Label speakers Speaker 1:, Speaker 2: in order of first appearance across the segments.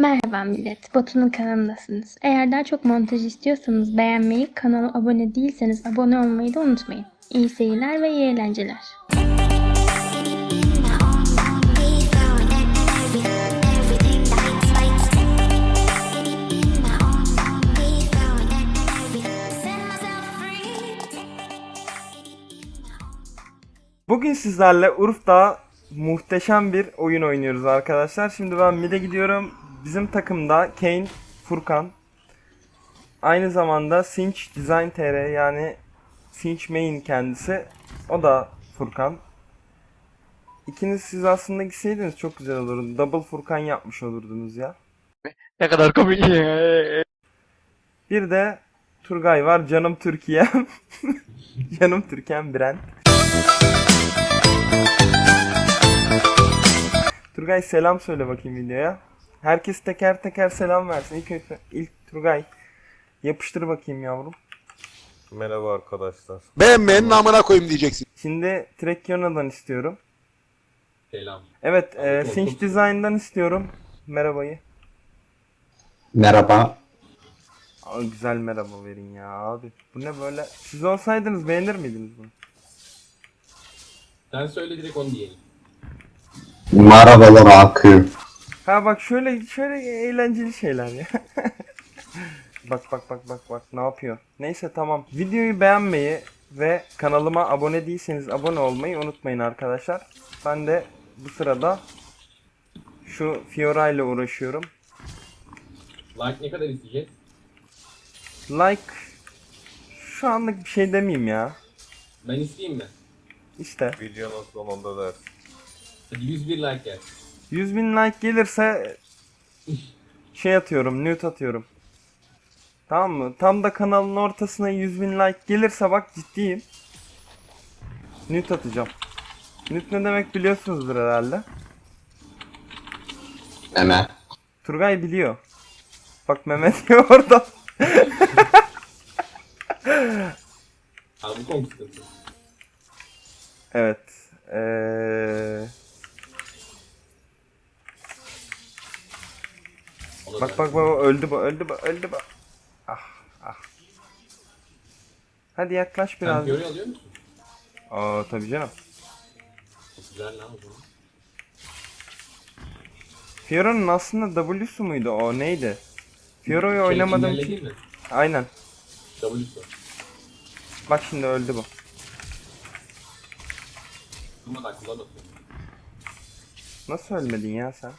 Speaker 1: Merhaba millet, Batu'nun kanalındasınız. Eğer daha çok montaj istiyorsanız beğenmeyi, kanala abone değilseniz abone olmayı da unutmayın. İyi seyirler ve iyi eğlenceler.
Speaker 2: Bugün sizlerle Urf'ta muhteşem bir oyun oynuyoruz arkadaşlar. Şimdi ben mid'e gidiyorum. Bizim takımda Kane, Furkan. Aynı zamanda Sinch Design TR yani Sinch Main kendisi. O da Furkan. İkiniz siz aslında gitseydiniz çok güzel olurdu. Double Furkan yapmış olurdunuz ya.
Speaker 3: Ne kadar komik.
Speaker 2: Bir de Turgay var. Canım Türkiye'm. Canım Türkiye'm Brent. Turgay selam söyle bakayım videoya. Herkes teker teker selam versin. İlk Turgay yapıştır bakayım yavrum.
Speaker 4: Merhaba arkadaşlar.
Speaker 5: Beğenmeyenin namına koyayım diyeceksin.
Speaker 2: Şimdi Trekkiona'dan istiyorum.
Speaker 3: Selam.
Speaker 2: Evet, Sinch Design'dan istiyorum. Merhabayı.
Speaker 6: Merhaba.
Speaker 2: Aa, güzel merhaba verin ya abi. Bu ne böyle? Siz olsaydınız beğenir miydiniz bunu?
Speaker 3: Sen söyle direkt onu diyelim.
Speaker 6: Merhabalar Akı.
Speaker 2: Ha bak şöyle eğlenceli şeyler ya. Bak ne yapıyor? Neyse tamam. Videoyu beğenmeyi ve kanalıma abone değilseniz abone olmayı unutmayın arkadaşlar. Ben de bu sırada şu Fiora ile uğraşıyorum.
Speaker 3: Like ne kadar isteyeceğiz?
Speaker 2: Like şu anlık bir şey demeyeyim ya.
Speaker 3: Ben isteyeyim mi?
Speaker 2: İşte
Speaker 4: Videonun sonunda dersin.
Speaker 3: Hadi 101 like gel.
Speaker 2: 100.000 like gelirse şey atıyorum, nude atıyorum. Tamam mı? Tam da kanalın ortasına 100.000 like gelirse bak ciddiyim. Nude atacağım. Nude ne demek biliyorsunuzdur herhalde.
Speaker 6: Meme.
Speaker 2: Turgay biliyor. Bak Mehmet diyor orada.
Speaker 3: Abi bu konu sıkıntı.
Speaker 2: Evet.
Speaker 3: Ona
Speaker 2: Bak
Speaker 3: da-
Speaker 2: öldü bu. Ah. Hadi yaklaş
Speaker 3: Sen
Speaker 2: biraz.
Speaker 3: Fiora'yı alıyor musun?
Speaker 2: Aa tabii canım.
Speaker 3: Çok güzel lan o zaman.
Speaker 2: Fiora'nın aslında W'su muydu o neydi? Fiora'yı oynamadım
Speaker 3: Çelik'in
Speaker 2: ki.
Speaker 3: değil mi?
Speaker 2: Aynen.
Speaker 3: W'su.
Speaker 2: Bak şimdi öldü bu.
Speaker 3: Durmadan kullanmasın.
Speaker 2: Nasıl ölmedin ya sen?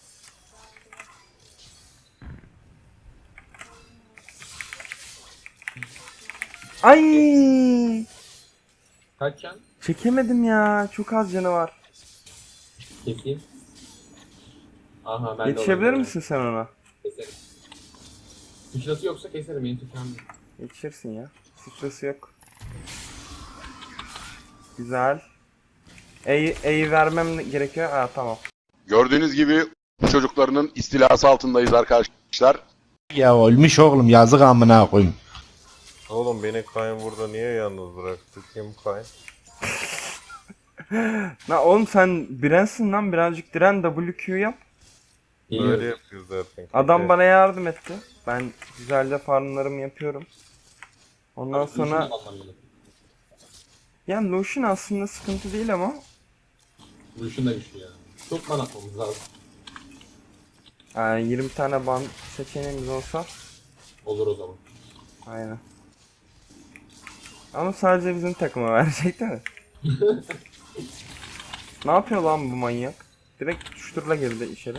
Speaker 2: Ay!
Speaker 3: Kaç can?
Speaker 2: Çekemedim ya. Çok az canı var.
Speaker 3: Keseyim. Aha ben de
Speaker 2: Yetişebilir
Speaker 3: olayım.
Speaker 2: misin sen ona?
Speaker 3: Keserim. Sıçrası yoksa keserim. Benim tüfeğim değil.
Speaker 2: Yetişirsin ya. Sıçrası yok. Güzel. E'yi vermem gerekiyor. Aa tamam.
Speaker 5: Gördüğünüz gibi çocuklarının istilası altındayız arkadaşlar.
Speaker 7: Ya ölmüş oğlum yazık amına koyayım.
Speaker 4: Oğlum beni Kayn burada niye yalnız bıraktı? Kim Kayn?
Speaker 2: La oğlum sen Brent'sin lan birazcık diren WQ yap.
Speaker 4: Böyle
Speaker 3: Geliyorum.
Speaker 4: yapıyor zaten.
Speaker 2: Adam bana yardım etti. Ben güzelce farmlarımı yapıyorum. Ondan sonra yani Lucian aslında sıkıntı değil ama
Speaker 3: Vuruşun da güçlü ya. Çok man atmamız lazım.
Speaker 2: yani 20 tane ban seçeneğimiz olsa
Speaker 3: Olur o zaman.
Speaker 2: aynen. Ama sadece bizim takıma verecek değil mi? Ne yapıyor lan bu manyak? Direkt tutuşturla girdi içeri.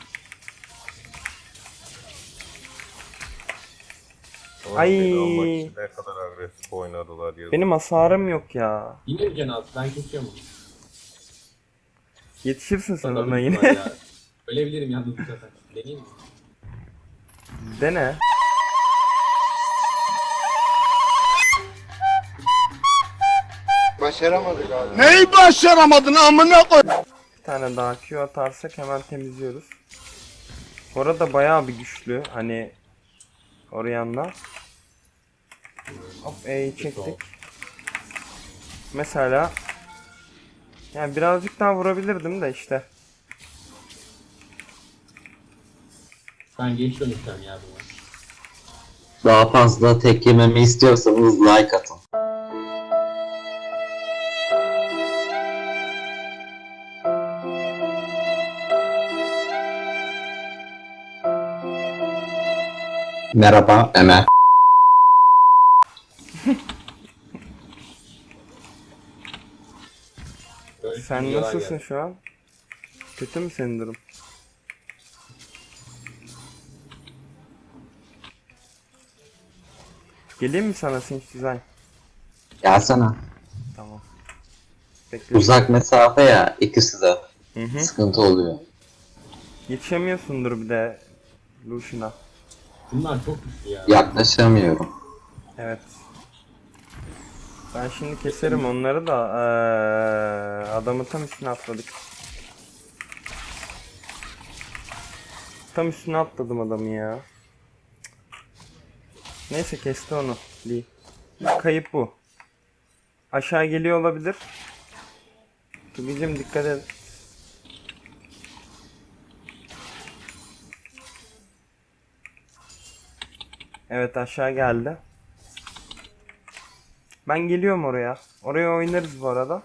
Speaker 4: Oğlum
Speaker 2: Ay.
Speaker 4: beni almak için ne kadar agresif oynadılar ya.
Speaker 2: Benim hasarım yok ya.
Speaker 3: Yine mi can altı? Ben kesiyorum onu.
Speaker 2: Yetişirsin sen
Speaker 3: Tabii
Speaker 2: ona
Speaker 3: ki
Speaker 2: yine.
Speaker 3: var ya. Ölebilirim yalnız bu sefer. Deneyeyim mi?
Speaker 2: Dene.
Speaker 5: Neyi başaramadın amına koy?
Speaker 2: Bir tane daha Q atarsak hemen temizliyoruz. Orada bayağı bir güçlü. Hani Orianna. Hop E'yi çektik. Mesela yani birazcık daha vurabilirdim de işte.
Speaker 3: Ben geç dönüşeceğim ya buna.
Speaker 6: Daha fazla tek yememi istiyorsanız like atın. Merhaba Emel.
Speaker 3: Böyle
Speaker 2: Sen
Speaker 3: videolar
Speaker 2: nasılsın
Speaker 3: geldi.
Speaker 2: şu an? Kötü mü senin durum? Geleyim mi sana Sinch Design?
Speaker 6: Gelsene.
Speaker 2: Tamam. Bekle.
Speaker 6: Uzak mesafe ya ikisi de.
Speaker 2: Hı hı.
Speaker 6: Sıkıntı oluyor.
Speaker 2: Yetişemiyorsundur bir de Lucian'a.
Speaker 3: Bunlar çok güçlü ya.
Speaker 6: Yaklaşamıyorum.
Speaker 2: Evet. Ben şimdi keserim onları da adamı tam üstüne atladık. Tam üstüne atladım adamı ya. Neyse kesti onu Lee. Kayıp bu. Aşağı geliyor olabilir. Tugicim dikkat et. Evet aşağı geldi. Ben geliyorum oraya. Oraya oynarız bu arada.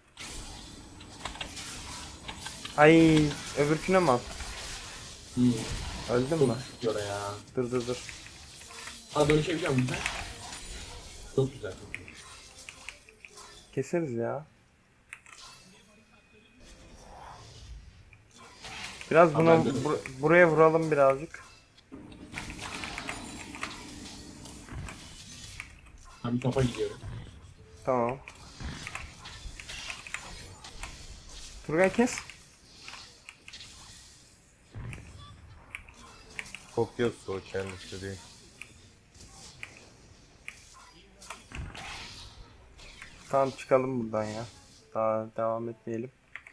Speaker 2: Ay öbürküne mi at? Öldün mü?
Speaker 3: Çok güçlü ya.
Speaker 2: Dur.
Speaker 3: Ha dönüşebiliyor musun sen? Çok güzel. Çok güzel.
Speaker 2: Keseriz ya. Biraz
Speaker 3: Tamam,
Speaker 2: buna
Speaker 3: ben dönüyorum.
Speaker 2: buraya vuralım birazcık.
Speaker 3: Ben bir topa gidiyorum.
Speaker 2: Tamam. Turgay kes.
Speaker 4: Kokuyorsa o kendisi değil.
Speaker 2: Tamam çıkalım buradan ya. Daha devam etmeyelim.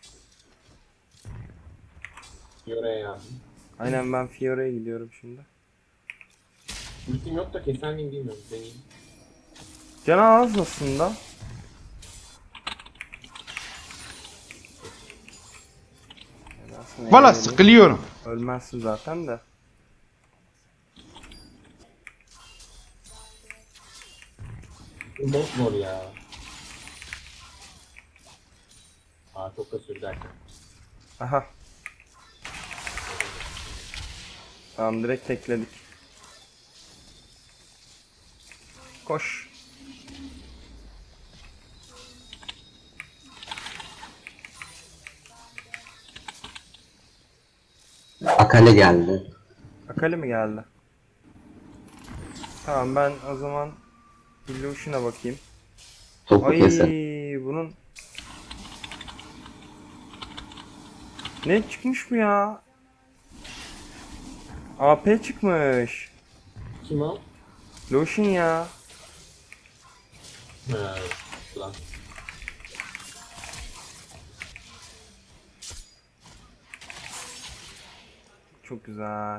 Speaker 3: Yoraya yazdım.
Speaker 2: Aynen ben Fiora'ya gidiyorum şimdi.
Speaker 3: Ultim yok da keser miyim bilmiyorum. Deneyeyim.
Speaker 2: Canı az aslında. Yani aslında
Speaker 7: Valla
Speaker 2: eğlenceli.
Speaker 7: sıkılıyorum.
Speaker 2: Ölmezsin zaten de.
Speaker 3: Bu çok zor ya. Aa çok da sürdü derken.
Speaker 2: Aha. Tamam direkt tekledik. Koş.
Speaker 6: Akale geldi.
Speaker 2: Akali mi geldi? Tamam ben o zaman Illusion'a bakayım.
Speaker 6: Topu
Speaker 2: Ay
Speaker 6: keser.
Speaker 2: bunun ne çıkmış bu ya? AP çıkmış.
Speaker 3: Kim o?
Speaker 2: Lucian ya.
Speaker 3: Ha, lan.
Speaker 2: Çok güzel.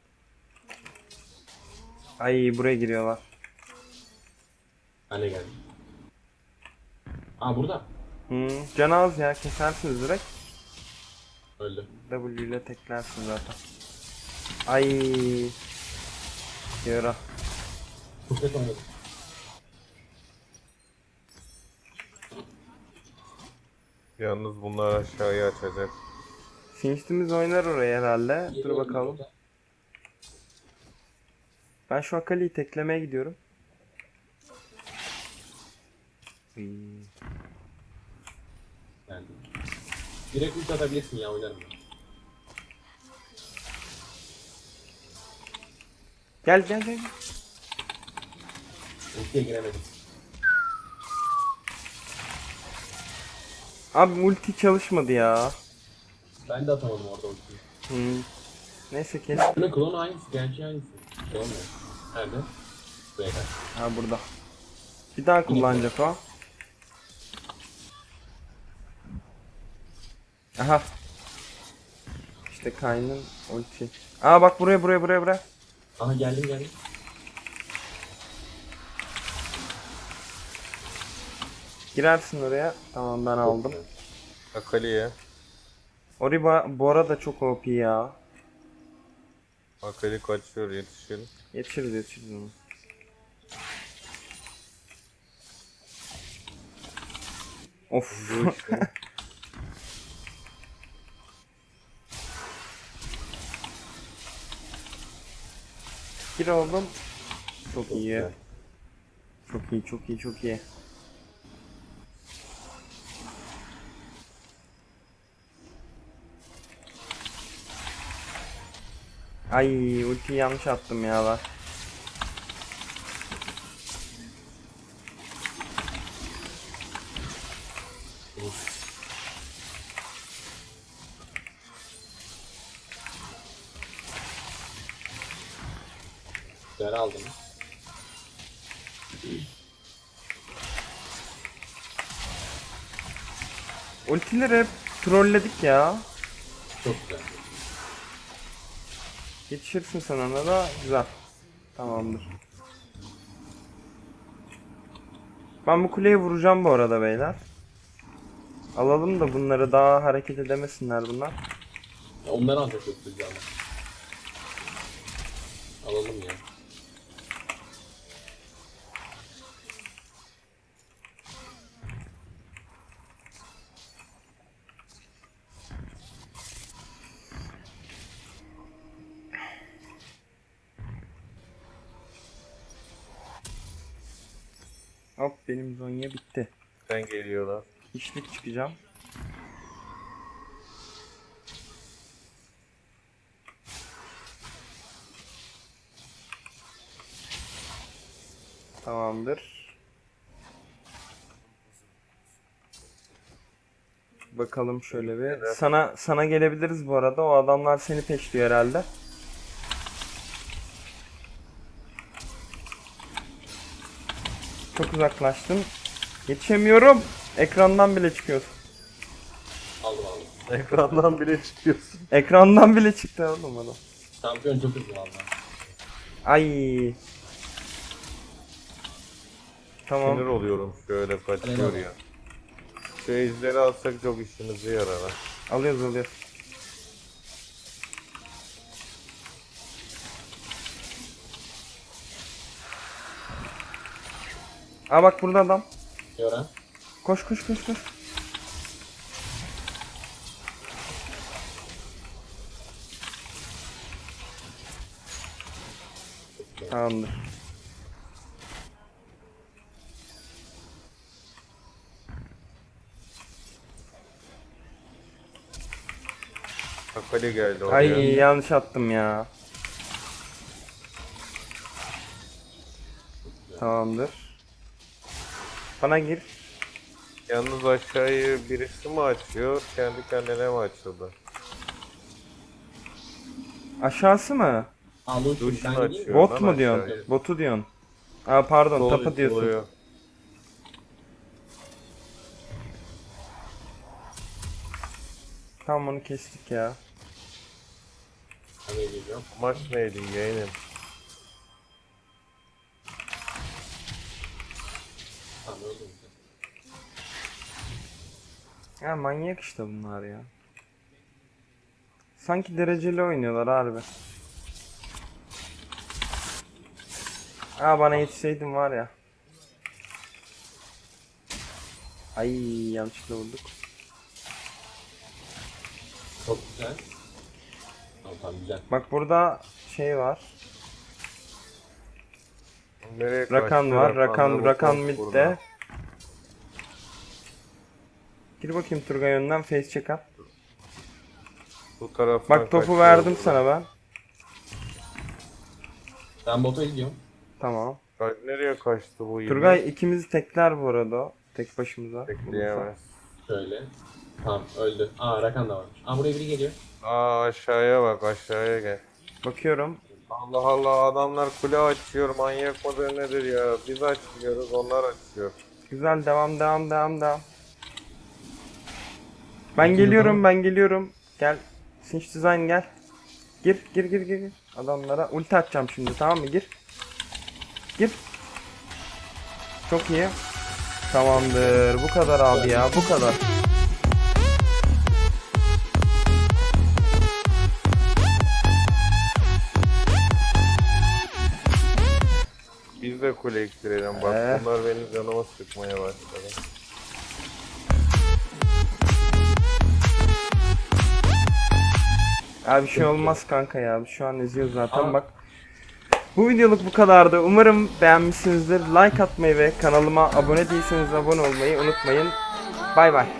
Speaker 2: Ay buraya giriyorlar.
Speaker 3: Ben de geldim. Aa burada.
Speaker 2: Can az ya kesersiniz direkt.
Speaker 3: Öldü.
Speaker 2: W ile teklersin zaten. Ay. Yara.
Speaker 3: Çok kötü oynadım.
Speaker 4: Yalnız bunlar aşağıya açacak.
Speaker 2: Sinçtimiz oynar oraya herhalde. Dur
Speaker 3: Geliyorum
Speaker 2: bakalım.
Speaker 3: burada.
Speaker 2: Ben şu Akali'yi teklemeye gidiyorum.
Speaker 3: Geldim. Direkt ult atabilirsin ya oynarım ben.
Speaker 2: Gel.
Speaker 3: Ultiye giremedim.
Speaker 2: Abi multi çalışmadı ya.
Speaker 3: Ben de atamadım orada ultiyi.
Speaker 2: Neyse kes.
Speaker 3: Bunun klonu aynısı, gerçi aynısı. Şey olmuyor. Nerede? Buraya kaç.
Speaker 2: Ha burada. Bir daha kullanacak o. Aha. İşte Kayn'ın ulti. Aa bak buraya.
Speaker 3: Aha geldim.
Speaker 2: Girersin oraya. Tamam ben aldım.
Speaker 4: Akali'ye.
Speaker 2: Oriba bu arada çok OP ya.
Speaker 4: Akali kaçıyor, yetişelim.
Speaker 2: Yetişiriz onu. Of.
Speaker 4: Bu işte.
Speaker 2: Gir oğlum. Çok
Speaker 3: Çok
Speaker 2: iyi.
Speaker 3: güzel.
Speaker 2: Çok iyi. Ay ultiyi yanlış attım ya bak.
Speaker 3: Güzel aldım.
Speaker 2: Ultileri hep trolledik ya.
Speaker 3: Çok güzel.
Speaker 2: Yetişirsin sen ona da güzel. Tamamdır. Ben bu kuleye vuracağım bu arada beyler. Alalım da bunları daha hareket edemesinler bunlar.
Speaker 3: Ya onları ancak çok güzel. Alalım ya.
Speaker 2: Hop benim Zonya bitti.
Speaker 4: Sen geliyorlar.
Speaker 2: İşlik çıkacağım. Tamamdır. Bakalım şöyle bir. Sana gelebiliriz bu arada. O adamlar seni peşliyor herhalde. Çok uzaklaştım. Yetişemiyorum. Ekrandan bile çıkıyorsun.
Speaker 3: Aldım.
Speaker 4: Ekrandan bile çıkıyorsun.
Speaker 2: Ekrandan bile çıktı oğlum adam.
Speaker 3: Şampiyon çok hızlı valla.
Speaker 2: Ay. Tamam.
Speaker 4: Sinir oluyorum şöyle kaçıyor ya. Şu ejderi alsak çok işimize yarar ha.
Speaker 2: Alıyoruz. Aa bak burada adam.
Speaker 3: Yora.
Speaker 2: Koş. Tamamdır.
Speaker 4: Akali geldi oraya.
Speaker 2: Ay yanlış attım ya. Tamamdır. Bana gir.
Speaker 4: Yalnız aşağıyı birisi mi açıyor, kendi kendine mi açıldı?
Speaker 2: Aşağısı mı?
Speaker 3: Aldım. Ben
Speaker 4: Duşunu
Speaker 3: gideyim mi?
Speaker 4: açıyor.
Speaker 2: Bot
Speaker 4: lan
Speaker 2: mu diyorsun?
Speaker 4: aşağıya.
Speaker 2: Botu diyorsun. Aa pardon
Speaker 4: Sol
Speaker 2: tapa diyorsun.
Speaker 4: oluyor.
Speaker 2: Tamam onu kestik ya.
Speaker 3: Hemen geliyorum.
Speaker 4: Maç neydi yeğenim?
Speaker 3: Tamam öldüm.
Speaker 2: Ya manyak işte bunlar ya. Sanki dereceli oynuyorlar harbi. Aa bana yetişseydin var ya. Ay yanlışlıkla vurduk.
Speaker 3: Çok güzel. Tamam güzel.
Speaker 2: Bak burada şey var.
Speaker 4: Nereye
Speaker 2: Rakan
Speaker 4: kaçtı?
Speaker 2: var.
Speaker 4: Rakan'la
Speaker 2: Rakan
Speaker 4: bu
Speaker 2: midde.
Speaker 4: burada.
Speaker 2: Gir bakayım Turgay önden face check at.
Speaker 4: Bu taraftan
Speaker 2: Bak topu
Speaker 4: kaçıyor
Speaker 2: verdim
Speaker 4: burada.
Speaker 2: sana ben.
Speaker 3: Ben bota gidiyorum.
Speaker 2: Tamam.
Speaker 4: Nereye kaçtı bu yine?
Speaker 2: Turgay ikimizi tekler bu arada o. Tek başımıza.
Speaker 4: Bekleyemez.
Speaker 3: Şöyle. Tamam öldü. Aa Rakan da varmış. Aa buraya biri geliyor.
Speaker 4: Aa aşağıya bak, aşağıya gel.
Speaker 2: Bakıyorum.
Speaker 4: Allah Allah, adamlar kule açıyor, manyak mıdır nedir ya? Biz açmıyoruz, onlar açıyor.
Speaker 2: Güzel devam. Ben geliyorum. Gel. Sinch Design gel. Gir. Adamlara ulti atacağım şimdi tamam mı? Gir. Çok iyi. Tamamdır. Bu kadar abi ya. Bu kadar.
Speaker 4: biz de kule iktirelim. Bak bunlar benim canıma sıkmaya başladı.
Speaker 2: Abi bir şey olmaz kanka ya. Şu an eziyor zaten bak. Bu videoluk bu kadardı. Umarım beğenmişsinizdir. Like atmayı ve kanalıma abone değilseniz abone olmayı unutmayın. Bay bay.